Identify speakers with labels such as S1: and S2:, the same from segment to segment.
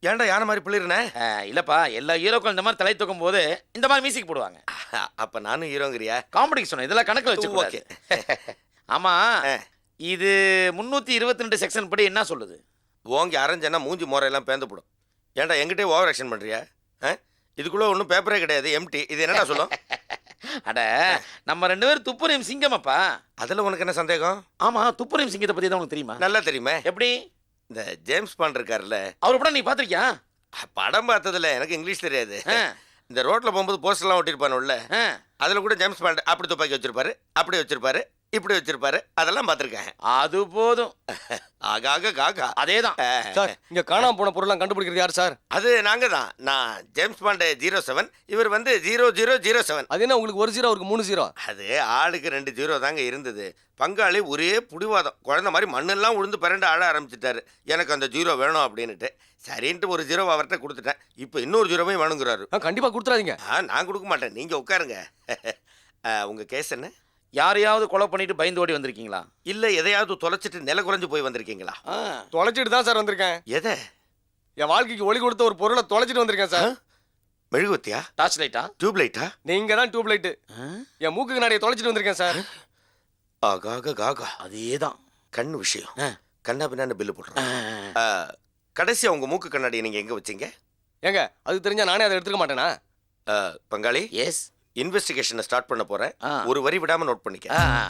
S1: ஏன்டா யானை மாதிரி பிள்ளைறனே?
S2: இல்லப்பா, எல்லா ஹீரோக்கள் இந்த மாதிரி தலை தூக்கும் போது இந்த மாதிரி மியூசிக் போடுவாங்க.
S1: அப்ப நானும் ஹீரோங்கிறியா?
S2: காமெடிக்கு சொன்னேன், இதெல்லாம் கணக்கில் வச்சு.
S1: ஓகே.
S2: ஆமா, இது 322 செக்ஷன் படி என்ன சொல்லுது?
S1: ஓங்கி அரைஞ்சேன்னா மூஞ்சி முறையெல்லாம் பேந்து போடும். ஏன்டா எங்கிட்டே ஓவர் ஆக்ஷன் பண்றியா? இதுக்குள்ள ஒன்றும் பேப்பரே கிடையாது, எம்டி. இது என்னடா சொல்லும்?
S2: அட, நம்ம 2 பேரும் துப்புரையும் சிங்கமப்பா.
S1: அதில் உனக்கு என்ன சந்தேகம்?
S2: ஆமா, துப்புரையும் சிங்கத்தை பத்தி தான் உனக்கு தெரியுமா?
S1: நல்லா தெரியுமே.
S2: எப்படி?
S1: இந்த ஜேம்ஸ் பாண்ட் இருக்காருல்ல,
S2: அவர் படம் நீ பாத்திருக்கியா?
S1: படம் பார்த்ததுல எனக்கு இங்கிலீஷ் தெரியாது. இந்த ரோட்ல போகும்போது போஸ்டர்லாம் ஒட்டிருப்பானுல்ல, அதுல கூட ஜேம்ஸ் பாண்ட் அப்படி துப்பாக்கி வச்சிருப்பாரு, அப்படி வச்சிருப்பாரு, இப்படி வச்சிருப்பாரு, அதெல்லாம் பார்த்துருக்கேன்.
S2: அது போதும்.
S1: ஆகாக காகா
S2: அதேதான்
S3: சார். இங்க காணாம போன பொருள்லாம் கண்டுபிடிக்கிறது யார் சார்?
S1: அது நாங்க தான். நான் ஜேம்ஸ் பாண்ட் 07, இவர் வந்து 0007.
S3: அது என்ன உங்களுக்கு 1 0 அவருக்கு 3 0?
S1: அது ஆளுக்கு 2 0 தாங்க இருந்தது. பங்காளி ஒரே புடிவாதம், குழந்தை மாதிரி மண்ணெல்லாம் உழுந்து பிறண்டு ஆட ஆரம்பிச்சிட்டாரு. எனக்கு அந்த 0 வேணும் அப்படின்னுட்டு சரின்ட்டு ஒரு 0 அவர்கிட்ட கொடுத்துட்டேன். இப்போ இன்னொரு 0 வேணுங்கிறாரு.
S3: கண்டிப்பா கொடுத்துறாதீங்க.
S1: நான் கொடுக்க மாட்டேன், நீங்க உட்காருங்க. உங்க கேஸ் என்ன?
S2: யாரையாவது கொலை பண்ணிட்டு பயந்து ஓடி வந்திருக்கீங்களா?
S1: இல்ல எதையாவது தொலைச்சிட்டு நில குறைஞ்சு போய் வந்திருக்கீங்களா?
S3: தொலைச்சிட்டு தான் சார் வந்திருக்கேன்.
S1: எதை?
S3: என் வாழ்க்கைக்கு ஒளி கொடுத்த ஒரு பொருளை தொலைச்சிட்டு வந்திருக்கேன் சார்.
S1: மெழுகுவத்தியா?
S2: டார்ச் லைட்டா?
S1: டியூப் லைட்டா?
S3: நீங்க தான் டியூப் லைட். என் மூக்கு கண்ணாடியை தொலைச்சிட்டு வந்திருக்கேன் சார்.
S1: ஆகாக காகா.
S2: அதேதான்
S1: கண்ணு விஷயம். கண்ணா பின்னான்னு பில்லு போடுறேன். கடைசியா உங்க மூக்கு கண்ணாடியை நீங்க எங்க வச்சீங்க?
S3: ஏங்க அது தெரிஞ்சா நானே அதை எடுத்துக்க மாட்டேனா?
S1: பங்காளி,
S2: எஸ்,
S1: இன்வெஸ்டிகேஷனை ஸ்டார்ட் பண்ண போறேன். ஒரு வரி விடாம நோட் பண்ணிக்க.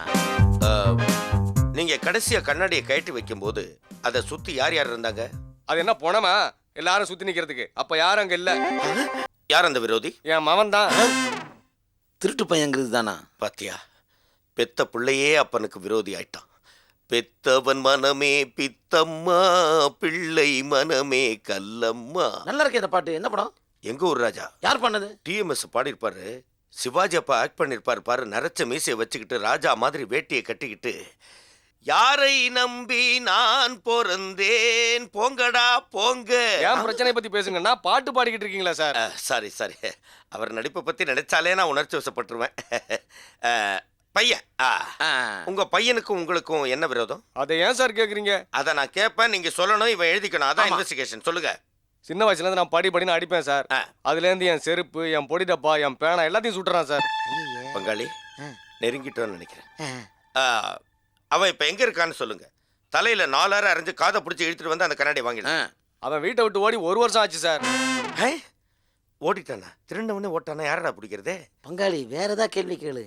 S1: நீங்க கடைசியா கண்ணாடியை கழட்டி வைக்கும்போது அதை சுத்தி யார் யார் இருந்தாங்க?
S3: அது என்ன போனமா எல்லாரும் சுத்தி நிக்கிறதுக்கு? அப்ப யாரும் அங்க இல்ல.
S1: யார் அந்த விரோதி?
S3: என் மவன் தான்.
S2: திருட்டு பையங்கிறது தானா?
S1: பாத்தியா, பெத்த பிள்ளையே அப்பனுக்கு விரோதி ஆயிட்டான். பெத்தவன் மனமே பித்தம்மா, பிள்ளை மனமே கல்லம்மா.
S2: நல்லா இருக்கே இந்த பாட்டு. என்ன படம்?
S1: எங்க ஊர் ராஜா.
S2: யார் பண்ணது?
S1: டிஎம்எஸ் பாடியிருப்பாரு. சிவாஜி அப்பா ஆக்ட் பண்ணிருப்பாரு பாரு. நரைச்ச மீசையை வச்சுக்கிட்டு ராஜா மாதிரி வேட்டியை கட்டிக்கிட்டு, யாரை நம்பி நான் பிறந்தேன், போங்கடா போங்க.
S3: என் பிரச்சனை பத்தி பேசுங்கன்னா பாட்டு பாடிக்கிட்டு இருக்கீங்களா சார்?
S1: சாரி சாரி, அவர் நடிப்பை பத்தி நினைச்சாலே நான் உணர்ச்சி வசப்பட்டுருவேன். பையன், உங்க பையனுக்கும் உங்களுக்கும் என்ன விரோதம்?
S3: அதை ஏன் சார் கேக்குறீங்க?
S1: அதை நான் கேட்பேன், நீங்க சொல்லணும், இவன் எழுதிக்கணும். அதான் இன்வெஸ்டிகேஷன். சொல்லுங்க.
S3: சின்ன வயசுல இருந்து நான் படின்னு அடிப்பேன் சார். அதுல இருந்து என் செருப்பு, என் பொடி டப்பா, என் பேனா எல்லாத்தையும் சுட்டுறான் சார்.
S1: பங்காளி, நெருங்கிட்டோன்னு நினைக்கிறேன். அவன் இப்ப எங்க இருக்கான்னு சொல்லுங்க. தலையில 4 அரை அரைஞ்சு காதை பிடிச்சி இழுத்துட்டு வந்து அந்த கண்ணாடி வாங்கிடுறேன்.
S3: அவன் வீட்டை விட்டு ஓடி 1 வருஷம் ஆச்சு சார்.
S1: ஓடிட்டானா? திருண்டவனே ஓட்டானா? யாரடா பிடிக்கிறதே?
S2: பங்காளி, வேற ஏதாவது கேள்வி கேளு.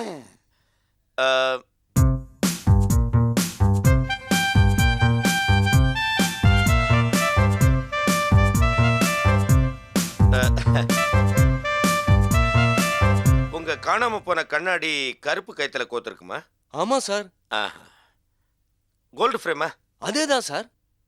S1: உங்க காணாம போன கண்ணாடி கருப்பு கைத்துல கோத்திருக்குமா?
S3: ஆமா சார்.
S1: கோல்டு ஃப்ரேமா?
S3: அதேதான் சார்.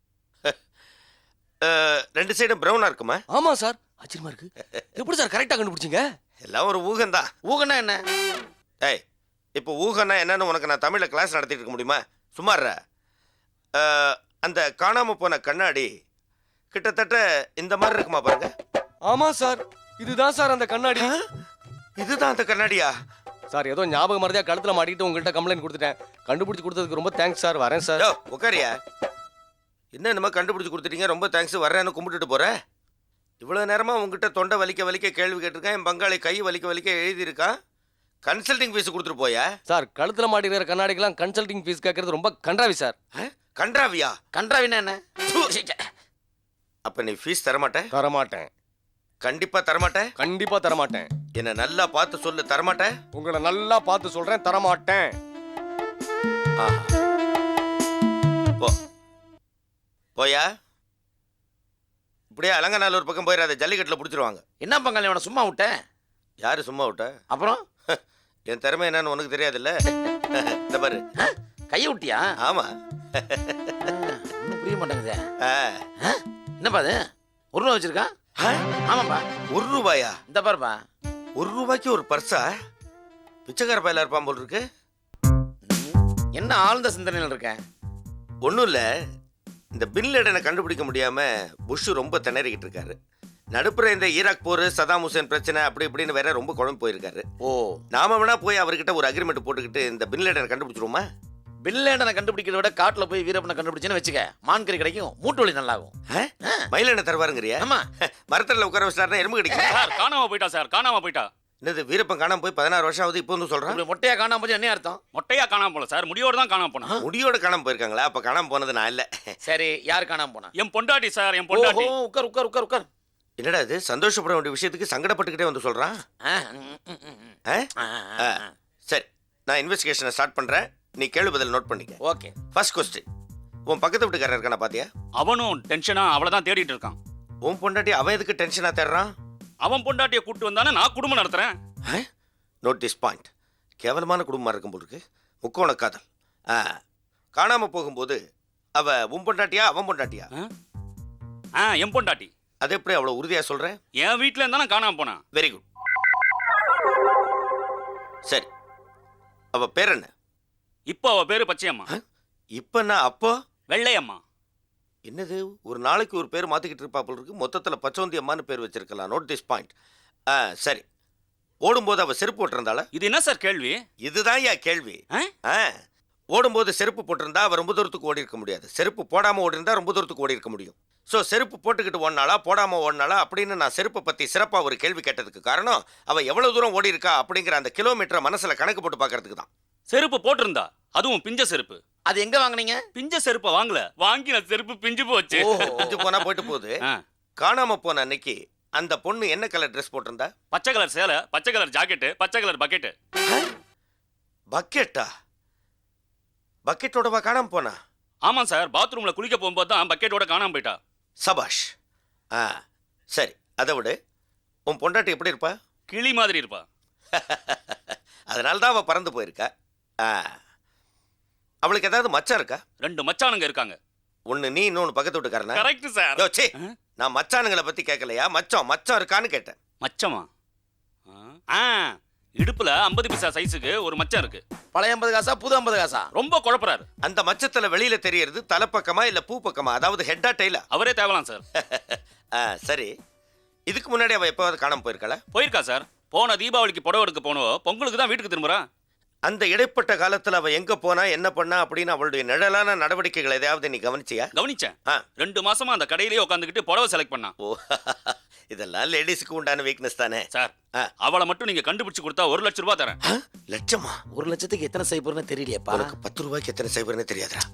S1: 2 சைடும் பிரவுனா இருக்குமா?
S3: ஆமா சார். ஆச்சரியமா இருக்கு. எப்படி சார் கரெக்டா கண்டுபிடிச்சீங்க?
S1: எல்லாம் ஒரு ஊகம்தான்.
S2: ஊகனா என்ன?
S1: ஏய், இப்போ ஊகன்னா என்னன்னு உனக்கு நான் தமிழ்ல கிளாஸ் நடத்திட்டு இருக்க முடியுமா? சும்மாற. அந்த காணாம போன கண்ணாடி கிட்டத்தட்ட இந்த மாதிரி இருக்குமா பாருங்க.
S3: ஆமா சார், இதுதான் சார் அந்த கண்ணாடி.
S1: இதுதான் அந்த கண்ணாடியா?
S3: சார் ஏதோ ஞாபகம் மறதியா கழுத்துல மாட்டிக்கிட்டு உங்கள்கிட்ட கம்ப்ளைண்ட் கொடுத்துட்டேன். கண்டுபிடிச்சு கொடுத்ததுக்கு ரொம்ப தேங்க்ஸ் சார். வரேன் சார்.
S1: உட்காரியா? என்ன என்னமா கண்டுபிடிச்சு கொடுத்துட்டீங்க, ரொம்ப தேங்க்ஸ், வர்றேன்னு கும்பிட்டுட்டு போறேன். இவ்வளவு நேரமா உங்ககிட்ட தொண்டை வலிக்க வலிக்க கேள்வி கேட்டிருக்கேன். என் பங்காளி கை வலிக்க வலிக்க எழுதியிருக்கான். கன்சல்டிங் ஃபீஸ் கொடுத்துட்டு போயா?
S3: சார் கழுத்துல மாட்டிக்கிற கண்ணாடிக்கெல்லாம் கன்சல்டிங் ஃபீஸ் கேட்கறது ரொம்ப கன்றாவி சார்.
S1: கன்றாவியா?
S2: கன்றாவினா என்ன?
S1: அப்ப நீ ஃபீஸ் தரமாட்டேன்?
S3: தரமாட்டேன்.
S1: கண்டிப்பா தரமாட்டேன்?
S3: கண்டிப்பா தரமாட்டேன்.
S1: என்ன நல்லா பார்த்து சொல்லு. தரமாட்டேன்?
S3: உங்களை நல்லா பார்த்து சொல்றேன், தரமாட்டேன்.
S1: போ போயா. இப்படியே அலங்கநாள் பக்கம் போயிடாத, ஜல்லிக்கட்டுல பிடிச்சிருவாங்க.
S2: என்ன பங்காளி, அவனை சும்மா விட்டேன்?
S1: யாரு சும்மா விட்ட?
S2: அப்புறம்
S1: என் திறமை என்னன்னு உனக்கு தெரியாதுல்ல. இந்த பாரு,
S2: கையை விட்டியா?
S1: ஆமா.
S2: ஒன்றும் புரிய மாட்டேங்குது. என்னப்பா அது? 1 ரூபா வச்சிருக்கான்? ஆமாப்பா.
S1: 1 ரூபாயா?
S2: இந்த பாருப்பா.
S1: 1 ரூபாய்க்கு ஒரு பர்ஸா? பிச்சைக்கார பையில இருப்பான் போல் இருக்கு.
S2: என்ன ஆழ்ந்த சிந்தனையில் இருக்கேன்?
S1: ஒன்றும் இல்லை, இந்த பின் லேடனை கண்டுபிடிக்க முடியாம புஷ் ரொம்ப திணறிக்கிட்டு இருக்காரு. நடுப்புற இந்த ஈராக் போர், சதாம் ஹுசேன் பிரச்சனை, அப்படி இப்படின்னு வேற ரொம்ப குழம்பு போயிருக்காரு.
S2: ஓ,
S1: நாம வேணா போய் அவர்கிட்ட ஒரு அக்ரிமெண்ட் போட்டுக்கிட்டு இந்த பின் லேடனை கண்டுபிடிச்சிருவோமா?
S2: பில்லேண்டனை கண்டுபிடிக்கிறத விட காட்டுல போய் வீரப்பனை கண்டுபிடிச்சேன்னு வச்சுக்க மான் கறி கிடைக்கும், மூட்டு வலி நல்லாகும்.
S1: மயில் என்ன தருவாருங்கிறியா?
S2: ஆமா.
S1: மரத்துல உட்கார வச்சிட்டாருன்னா எறும்பு கிடைக்கும்.
S4: சார் காணாம போயிட்டா சார், காணாம போயிட்டா.
S1: என்னது வீரப்பன் காணாம போய் 16 வருஷம் ஆகுது, இப்போ வந்து சொல்றான்?
S2: இப்படி மொட்டையா காணாம போச்சு என்ன அர்த்தம்?
S4: மொட்டையா காணாம போல சார், முடியோட தான் காணாம போனா.
S1: முடியோட காணாம போயிருக்காங்களா? அப்ப காணாம போனது நான் இல்ல.
S2: சரி, யார் காணாம போனா?
S4: என் பொண்டாட்டி சார், என்
S2: ஓஹோ,
S4: பொண்டாட்டி.
S2: உட்கார் உட்கார் உட்கார் உட்கார்.
S1: என்னடா இது சந்தோஷப்பட வேண்டிய விஷயத்துக்கு சங்கடப்பட்டுக்கிட்டே வந்து சொல்றான்?
S2: ஆ, ம், ம், ம், ம்.
S1: ஆ?
S2: ஆ,
S1: ஆ, சரி, நான் இன்வெஸ்டிகேஷனை ஸ்டார்ட் பண்றேன். நீ கேள்வி பதில் நோட் பண்ணிக்க.
S2: ஓகே.
S1: ஃபர்ஸ்ட் கொஸ்டின், உன் பக்கத்து வீட்டுக்காரர் இருக்கானா பாத்தியா?
S4: அவனும் டென்ஷனா அவளதான் தேடிட்டு இருக்கான்.
S1: உன் பொண்டாட்டி அவன் எதுக்கு டென்ஷனா தேடுறான்?
S4: அவன் பொண்டாட்டியை கூட்டு வந்தானே நான் குடும்பம் நடத்துறேன்.
S1: நோட்டீஸ் பாயிண்ட், கேவலமான குடும்பமா இருக்கும் போல இருக்கு. முக்கோண காதல். காணாம போகும்போது அவ உன் பொண்டாட்டியா அவன் பொண்டாட்டியா?
S4: என் பொண்டாட்டி.
S1: அது எப்படி அவ்வளவு உறுதியா சொல்ற?
S4: என் வீட்டுல இருந்தா நான் காணாம போனா.
S1: Very good. சரி, அவ பேர் என்ன?
S4: இப்போ அவ பேரு பச்சையம்மா.
S1: இப்ப நான் அப்போ
S4: வெள்ளையம்மா.
S1: என்னது ஒரு நாளைக்கு ஒரு பேர் மாத்திக்கிட்டு இருப்பா போல இருக்கு. மொத்தத்துல பச்சோந்தி அம்மான்னு பேர் வச்சிருக்கலாம். Note this point. சரி, ஓடும்போது அவ செருப்பு போட்டிருந்தாளா?
S4: இது என்ன சார் கேள்வி?
S1: இதுதான் என் கேள்வி.
S4: ஆ?
S1: ஓடும்போது செருப்பு போட்டிருந்தா அவ ரொம்ப தூரத்துக்கு ஓடி இருக்க முடியாது. செருப்பு போடாம ஓடி இருந்தா ரொம்ப தூரத்துக்கு ஓடி இருக்க முடியும். ஸோ செருப்பு போட்டுக்கிட்டு ஓடினாளா போடாம ஓடினாளா அப்படின்னு நான் செருப்பை பத்தி சிறப்பா ஒரு கேள்வி கேட்டதுக்கு காரணம் அவ எவ்வளவு தூரம் ஓடி இருக்கா அப்படிங்கிற அந்த கிலோமீட்டரை மனசுல கணக்கு போட்டு பாக்குறதுக்கு தான்.
S4: செருப்பு போட்டிருந்தா, அதுவும் பிஞ்ச செருப்பு.
S2: அது எங்க வாங்குனீங்க?
S4: பிஞ்ச செருப்பை வாங்கல, வாங்கி நான் செருப்பு பிஞ்சு போச்சு.
S2: ஓஹோ.
S1: கொஞ்சம் போனா போயிட்டு போகுது.
S4: ஆ.
S1: காணாம போன அன்னைக்கு அந்த பொண்ணு என்ன கலர் ட்ரெஸ் போட்டிருந்தா?
S4: பச்சை கலர் சேலை, பச்சை கலர் ஜாக்கெட்டு, பச்சை கலர் பக்கெட்டு.
S1: பக்கெட்டா? பக்கெட்டோடவா காணாம போனா?
S4: ஆமா சார், பாத்ரூம்ல குளிக்க போகும்போது தான் பக்கெட்டோட காணாம போயிட்டா.
S1: சபாஷ். சரி, அதை விட உன் பொண்டாட்டி எப்படி இருப்பா?
S4: கிளி மாதிரி இருப்பா.
S1: அதனால தான் அவ பறந்து போயிருக்கா. அவளுக்கு ஏதாவது மச்சான் இருக்கா?
S4: 2 மச்சானுங்க இருக்காங்க.
S1: ஒன்னு நீ, இன்னொன்னு பக்கத்து வீட்டுக்காரனா?
S4: Correct sir.
S1: யோ, சீ, நான் மச்சானுங்களை பத்தி கேட்கலையா, மச்சான் இருக்கான்னு கேட்டேன்.
S4: மச்சமா? ஆ, இடுப்புல 50 பைசா சைஸுக்கு ஒரு மச்சம் இருக்கு.
S2: பழைய 50 காசா புது 50 காசா?
S4: ரொம்ப குழப்பறாரு.
S1: அந்த மச்சத்துல வெளியில தெரியறது தலைப்பக்கமா இல்ல பூ பக்கமா, அதாவது ஹெட்டா டெய்லா?
S4: அவரே தேவலாம் சார்.
S1: சரி, இதுக்கு முன்னாடி அவ எப்பவாவது காணாம போயிருக்கா?
S4: போயிருக்கா சார். போன தீபாவளிக்கு புடவை எடுக்க போனோம், பொங்கலுக்கு தான் வீட்டுக்கு திரும்புறா.
S1: அந்த இடைப்பட்ட காலத்துல அவ எங்க போனா என்ன பண்ணா அப்படின்னு அவளுடைய நிழலான நடவடிக்கைகள் எதையாவது நீ கவனிச்சியா?
S4: கவனிச்சேன்.
S1: ஆ.
S4: 2 மாசமா அந்த கடையிலேயே உட்காந்துக்கிட்டு புடவை செலக்ட் பண்ணா.
S1: ஓ, இதெல்லாம் லேடிஸ்க்கு உண்டான வீக்னஸ் தானே
S4: சார்,
S1: ஆ.
S4: அவளை மட்டும் நீங்க கண்டுபிடிச்சு கொடுத்தா 1 லட்சம் ரூபாய் தரேன்.
S1: லட்சமா?
S2: 1 லட்சத்துக்கு எத்தனை சைபர்னு தெரியலையேப்பா.
S1: உனக்கு 10 ரூபாய்க்கு எத்தனை சைபர்னு தெரியாதா?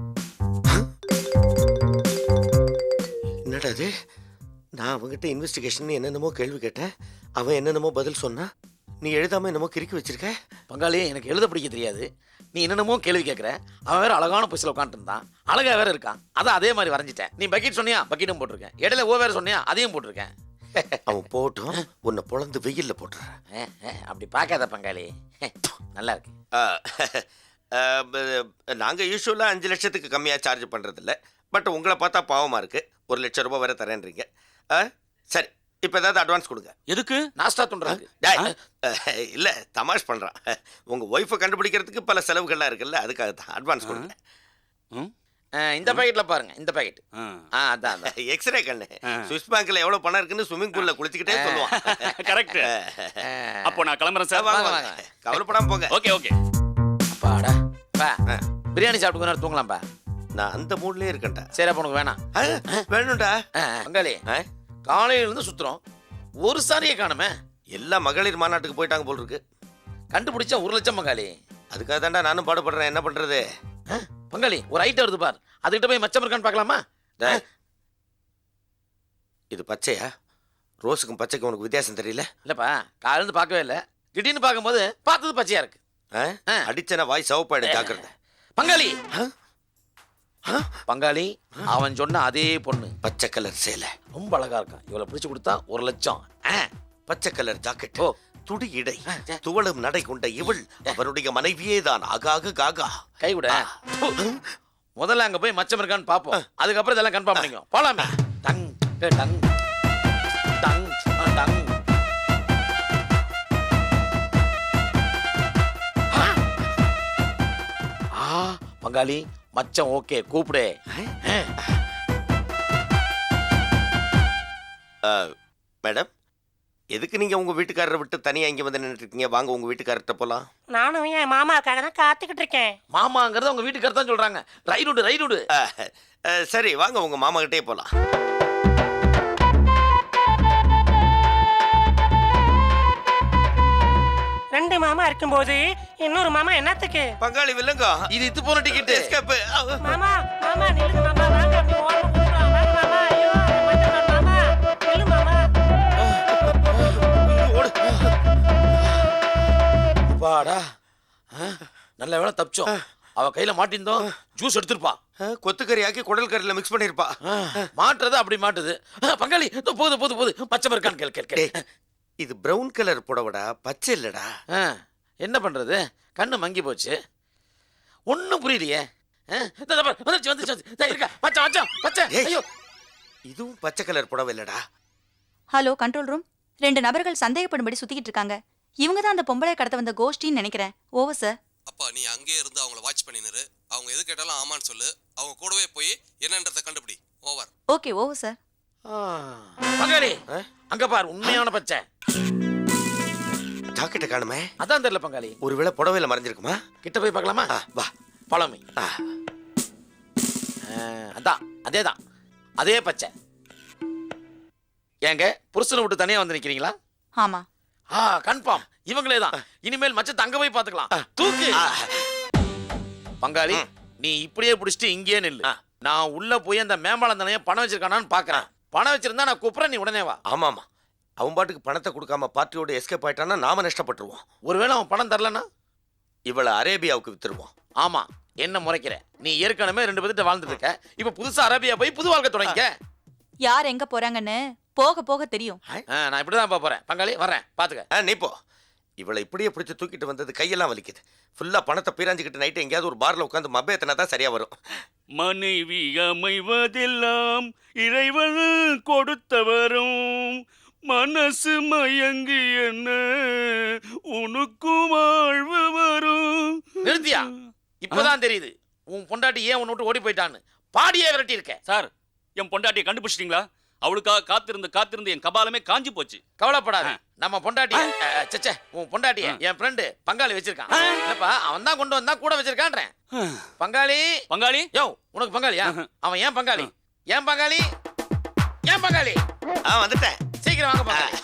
S1: என்னடா இது? நான் அவங்ககிட்ட இன்வெஸ்டிகேஷன் என்னென்னமோ கேள்வி கேட்டேன், அவன் என்னென்னமோ பதில் சொன்னா, நீ எழுதாம என்னமோ கிறுக்கி வச்சிருக்க.
S2: பங்காளி, எனக்கு எழுத படிக்க தெரியாது, நீ என்னென்னமோ கேள்வி கேட்குற. அவன் வேற அழகான பொசில உட்காந்துருந்தான், அழகா வேற இருக்கான், அதான் அதே மாதிரி வரைஞ்சிட்டேன். நீ பக்கெட் சொன்னியா, பக்கெட்டும் போட்டிருக்கேன். இடையில ஓ வேற சொன்னியா, அதையும் போட்டிருக்கேன்.
S1: அவன் போட்டும் உன்னை பொழந்து வெயில்ல போட்டுறேன்.
S2: அப்படி பார்க்காத பங்காளி, நல்லா இருக்கு.
S1: நாங்க யூஸ்வலா 5 லட்சத்துக்கு கம்மியா சார்ஜ் பண்றது இல்ல. பட் உங்களை பார்த்தா பாவமா இருக்கு, 1 லட்சம் ரூபாய் வேற தரேன்றீங்க. சரி, இப்ப ஏதாவது அட்வான்ஸ் கொடுங்க.
S4: எதுக்கு?
S2: நாஸ்டா துண்டுறாங்க.
S1: இல்ல, தமாஷ் பண்றான். உங்க ஒய்ஃபை கண்டுபிடிக்கிறதுக்கு பல செலவுகள்லாம் இருக்குல்ல, அதுக்காக தான் அட்வான்ஸ் கொடுங்க.
S2: இந்த பாக்கெட்ல பாருங்க, இந்த பாக்கெட். அதான்
S1: எக்ஸ்ரே கண்ணு. சுவிஸ் பேங்க்ல எவ்வளவு பணம் இருக்குன்னு ஸ்விம்மிங் பூல்ல குளிச்சுக்கிட்டே சொல்லுவான்.
S4: கரெக்ட். அப்போ நான் கிளம்புறேன் சார்.
S1: வாங்க வாங்க, கவலைப்படாம போங்க.
S4: Okay okay.
S2: அப்பாடா பா, பிரியாணி சாப்பிட்டு கொஞ்ச நேரம் தூங்கலாம்பா.
S1: நான் அந்த மூட்லயே இருக்கேன்டா.
S2: சரி, அப்ப உனக்கு வேணாம்.
S1: வேணும்டா.
S2: பங்காளி, காலையில இருந்து சுத்துறோம், ஒரு சாரியை காணுமே.
S1: எல்லா மகளிர் மாநாட்டுக்கு போயிட்டாங்க போல் இருக்கு.
S2: கண்டுபிடிச்சா 1 லட்சம் பங்காளி.
S1: அதுக்காக தான்டா நானும் பாடுபடுறேன். என்ன பண்றது?
S2: பங்காளி, ஒரு ஐட்டம் வருது பார், அதுகிட்ட போய் மச்சம் இருக்கான்னு பார்க்கலாமா?
S1: இது பச்சையா? ரோஸுக்கும் பச்சைக்கும் உனக்கு வித்தியாசம் தெரியல?
S2: இல்லப்பா, காலையில இருந்து பார்க்கவே இல்லை, திடீர்னு பார்க்கும்போது பார்த்தது பச்சையா இருக்கு.
S1: அடிச்சன வாய் சவப்பாடு, ஜாக்கிரதை.
S2: பங்காளி பங்காளி, அவன் சொன்ன அதே பொண்ணு,
S1: பச்சை கலர் சேலை,
S2: ரொம்ப அழகா இருக்கான். இவளை பிடிச்சு கொடுத்தா 1 லட்சம்.
S1: பச்சை கலர் ஜாக்கெட்,
S2: ஓ,
S1: துடி இடை, துவளும் நடை கொண்ட இவள் அவருடைய மனைவியே தான். ஆகாக காகா.
S2: கை விட. முதல்ல அங்க போய் மச்சம் இருக்கான்னு பாப்போம், அதுக்கப்புறம் இதெல்லாம் கன்ஃபார்ம் பண்ணிக்கோ. போலாமே. டங் டங் டங் டங். பங்காளி, மச்சம் ஓகே, கூப்பிடு.
S1: மேடம், எதுக்கு நீங்க உங்க வீட்டுக்காரரை விட்டு தனியா இங்க வந்து நின்னுட்டு இருக்கீங்க? வாங்க உங்க வீட்டுக்காரர்கிட்ட போலாம்.
S5: நானும் என் மாமாவுக்காக தான் காத்துக்கிட்டு இருக்கேன்.
S2: மாமாங்கிறத உங்க வீட்டுக்காரர் தான் சொல்றாங்க. Ride ride.
S1: சரி வாங்க உங்க மாமா கிட்டே போலாம்.
S5: ரெண்டு மாமா இருக்கும்போது இன்னொரு மாமா என்னத்துக்கு?
S1: பங்காளி வில்லங்க.
S2: இது இது போன டிக்கெட்.
S1: எஸ்கேப்.
S5: மாமா மாமா நில்லுங்க மாமா, வாங்க அப்படி ஓரமா கூப்பிடுறோம். வாங்க மாமா. ஐயோ மச்சான் மாமா நில்லு மாமா.
S2: அப்பாடா. நல்ல வேளை தப்பிச்சோம். அவ கையில மாட்டிருந்தோம் ஜூஸ் எடுத்துருப்பா.
S1: கொத்துக்கறி ஆக்கி குடல் கறியில மிக்ஸ் பண்ணிருப்பா.
S2: மாட்டுறது அப்படி மாட்டுது. பங்காளி போது போது போது பச்சை இருக்கான்னு கேள் கேள்.
S1: இது பிரவுன் கலர் புடவடா, பச்சை இல்லடா.
S2: என்ன பண்றது, கண்ணு மங்கி போச்சு, ஒன்னும் புரியலையே. வந்துருச்சு வந்துருச்சு இருக்கா பச்சை பச்சை பச்சை. ஐயோ
S1: இதுவும் பச்சை கலர் புடவை இல்லடா.
S6: Hello control room. 2 நபர்கள் சந்தேகப்படும்படி சுத்திக்கிட்டு இருக்காங்க. இவங்க தான் அந்த பொம்பளை கடத்த வந்த கோஷ்டின்னு நினைக்கிறேன். Over sir.
S7: அப்பா நீ அங்கேயே இருந்து அவங்கள வாட்ச் பண்ணிரு. அவங்க எது கேட்டாலும் ஆமான்னு சொல்லு. அவங்க கூடவே போய் என்னன்றதை கண்டுபிடி. ஓவர்.
S6: Okay over sir.
S2: பங்காளி அங்க பாரு, உண்மையான பச்சை.
S1: ஜாக்கெட்டை காணுமே.
S2: அதான் தெரியல பங்காளி.
S1: ஒருவேளை புடவையில மறைஞ்சிருக்குமா?
S2: கிட்ட போய் பார்க்கலாமா?
S1: வா.
S2: பழமை. அதான் அதேதான், அதே பச்சை. ஏங்க புருஷனை விட்டு தனியா வந்து நிக்கிறீங்களா?
S6: ஆமா.
S2: கன்ஃபார்ம் இவங்களே தான். இனிமேல் மச்சத்தை அங்க போய் பாத்துக்கலாம். தூக்கு. பங்காளி நீ இப்படியே பிடிச்சிட்டு இங்கேயே நில்லு. நான் உள்ள போய் அந்த மேம்பாலம் தானே பணம் வச்சிருக்கானான்னு பாக்குறேன். பணம் வச்சிருந்தா நான் கூப்பிடுறேன், நீ உடனே வா.
S1: ஆமாமா, அவன் பாட்டுக்கு பணத்தை கொடுக்காம பார்ட்டியோட எஸ்கேப் ஆயிட்டான்னா நாம நஷ்டப்பட்டுருவோம்.
S2: ஒருவேளை அவன் பணம் தரலன்னா
S1: இவளை அரேபியாவுக்கு வித்துருவோம்.
S2: ஆமா, என்ன முறைக்கிற? நீ ஏற்கனவே 2 பேர்கிட்ட வாழ்ந்துட்டு இருக்க. இப்ப புதுசா அரேபியா போய் புது வாழ்க்கை தொடங்கிக்க.
S6: யார் எங்க போறாங்கன்னு போக போக தெரியும்.
S2: நான் இப்படிதான் போறேன். பங்காளி வர்றேன், பாத்துக்க.
S1: நீ போ. இவளை இப்படியே பிடிச்சி தூக்கிட்டு வந்தது கையெல்லாம் வலிக்குது. ஃபுல்லா பணத்தை பீராஞ்சிக்கிட்டு நைட்டு எங்கேயாவது ஒரு பார்ல உட்காந்து மப்பேத்தனா தான் சரியா வரும்.
S4: மனைவி அமைவதெல்லாம் இறைவன் கொடுத்தவரும் மனசு மயங்கி என்ன உனக்கும் வாழ்வு வரும்.
S2: நிறுத்தியா? இப்பதான் தெரியுது உன் பொண்டாட்டி ஏன் உன்னை விட்டு ஓடி போயிட்டான்னு. பாடியே விரட்டி இருக்க.
S4: சார், என் பொண்டாட்டியை கண்டுபிடிச்சிட்டீங்களா? அவளுக்காக காத்திருந்து என் கபாலமே காஞ்சி போச்சு.
S2: கவலைப்படாத, நம்ம பொண்டாட்டி சச்சே உன் பொண்டாட்டிய என் ஃப்ரெண்டு பங்காளி வச்சிருக்கான். இல்லப்பா அவன் தான் கொண்டு வந்தா கூட வச்சிருக்கான்றேன். பங்காளி
S4: பங்காளி
S2: யோ உனக்கு பங்காளியா? அவன் ஏன் பங்காளி? ஏன் பங்காளி? ஏன் பங்காளி?
S1: வந்துட்டேன்.
S2: சீக்கிரம் வாங்க பங்காளி.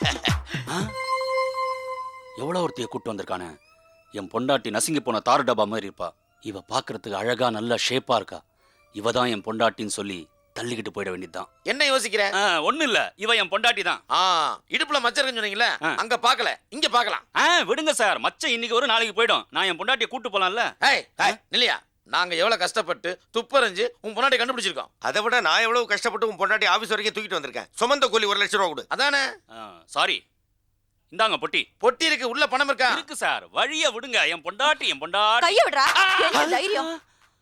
S4: எவ்வளவு ஒருத்தைய கூட்டு வந்திருக்கானே. என் பொண்டாட்டி நசுங்கி போன தாரு டப்பா மாதிரி இருப்பா. இவ பாக்குறதுக்கு அழகா நல்ல ஷேப்பா இருக்கா. இவ தான் என் பொண்டாட்டின்னு சொல்லி தள்ளிக்கிட்டு போயிட வேண்டியதுதான்.
S2: என்ன யோசிக்கிற?
S4: ஒண்ணு இல்ல, இவ என் பொண்டாட்டி தான்.
S2: இடுப்புல மச்சம் இருக்குன்னு சொன்னீங்களே, அங்க பாக்கல, இங்க பாக்கலாம்.
S4: விடுங்க சார், மச்சம் இன்னைக்கு ஒரு நாளைக்கு போயிடும். நான் என் பொண்டாட்டியை கூட்டு போலாம்ல.
S2: இல்லையா? நாங்க எவ்வளவு கஷ்டப்பட்டு துப்பறிஞ்சு உன் பொண்டாட்டி கண்டுபிடிச்சிருக்கோம்.
S1: அதை விட நான் எவ்வளவு கஷ்டப்பட்டு உன் பொண்டாட்டி ஆபீஸ் வரைக்கும் தூக்கிட்டு வந்திருக்கேன். சுமந்த கூலி 1 லட்சம் ரூபா கொடு.
S2: அதானே?
S4: சாரி, இந்தாங்க பொட்டி.
S2: பொட்டி இருக்கு, உள்ள பணம் இருக்கா?
S4: இருக்கு சார், வழிய விடுங்க. என் பொண்டாட்டி
S6: கைய விடுறா. என்ன தைரியம்?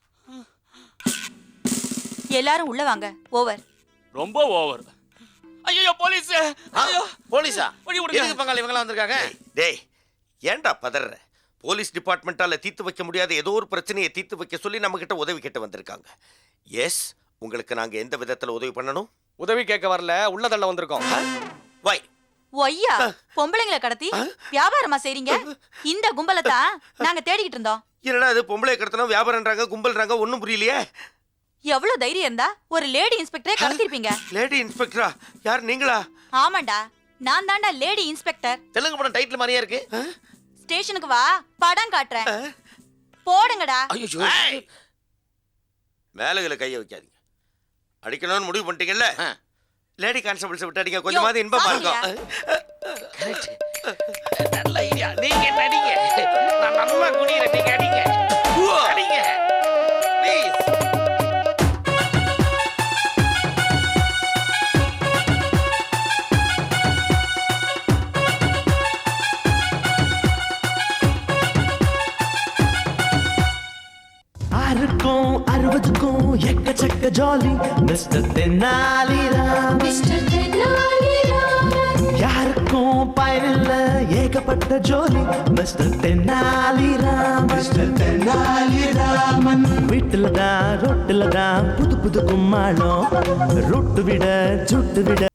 S6: எல்லாரும் உள்ள வாங்க. ஓவர்.
S4: ரொம்ப ஓவர். ஐயோ போலீஸ். ஐயோ
S2: போலீஸா?
S4: வழி விடுங்க.
S2: எதுக்கு பங்காளி இவங்க வந்திருக்காங்க?
S1: டேய் ஏன்டா பதற? போலீஸ் டிபார்ட்மெண்டால தீர்த்து வைக்க முடியாத ஏதோ ஒரு பிரச்சனையை தீர்த்து வைக்க சொல்லி நம்ம கிட்ட உதவி கேட்டு வந்திருக்காங்க. எஸ், உங்களுக்கு நாங்க எந்த விதத்துல உதவி பண்ணணும்?
S3: உதவி கேட்க வரல, உள்ள தள்ள வந்திருக்கோம்.
S1: வை.
S6: ஒய்யா பொம்பளைங்களை கடத்தி வியாபாரமா செய்றீங்க? இந்த கும்பலை தான் நாங்க தேடிக்கிட்டு இருந்தோம்.
S1: என்னடா அது பொம்பளை கடத்தணும் வியாபாரம்ன்றாங்க, கும்பல்ன்றாங்க, ஒன்றும் புரியலையே.
S6: எவ்வளவு தைரியம் இருந்தா ஒரு லேடி இன்ஸ்பெக்டரே கடத்திருப்பீங்க.
S1: லேடி இன்ஸ்பெக்டரா? யார் நீங்களா?
S6: ஆமாண்டா, நான் தாண்டா லேடி இன்ஸ்பெக்டர்.
S2: தெலுங்கு படம் டைட்டில் மாதிரியே இருக்கு.
S6: ஸ்டேஷனுக்கு வா, படம் காட்டுறேன். போடுங்கடா.
S2: ஐயோ
S1: மேலகளை கையை வைக்காதீங்க. அடிக்கணும்னு முடிவு பண்ணிட்டீங்கல்ல, லேடி கான்ஸ்டபிள்ஸ் விட்டு அடிங்க. கொஞ்சமாவது இன்பமா இருக்கும்.
S2: நல்ல ஐடியா. நீங்க நடிங்க, நான் நல்லா குடிக்கிறேன். நீங்க அடிங்க அடிங்க ப்ளீஸ்.
S8: ஆறுக்கும் 60க்கும் எக்கச்சக்க ஜாலி மிஸ்டர் தென்னாலிராம். யாருக்கும் பயனில்ல ஏகப்பட்ட ஜோலி மிஸ்டர் தென்னாலிராம். மிஸ்டர் தென்னாலிராமன் வீட்டுல தான் ரொட்டுல தான் புது புது கும்மாளம். ரொட்டு விட சுட்டு விட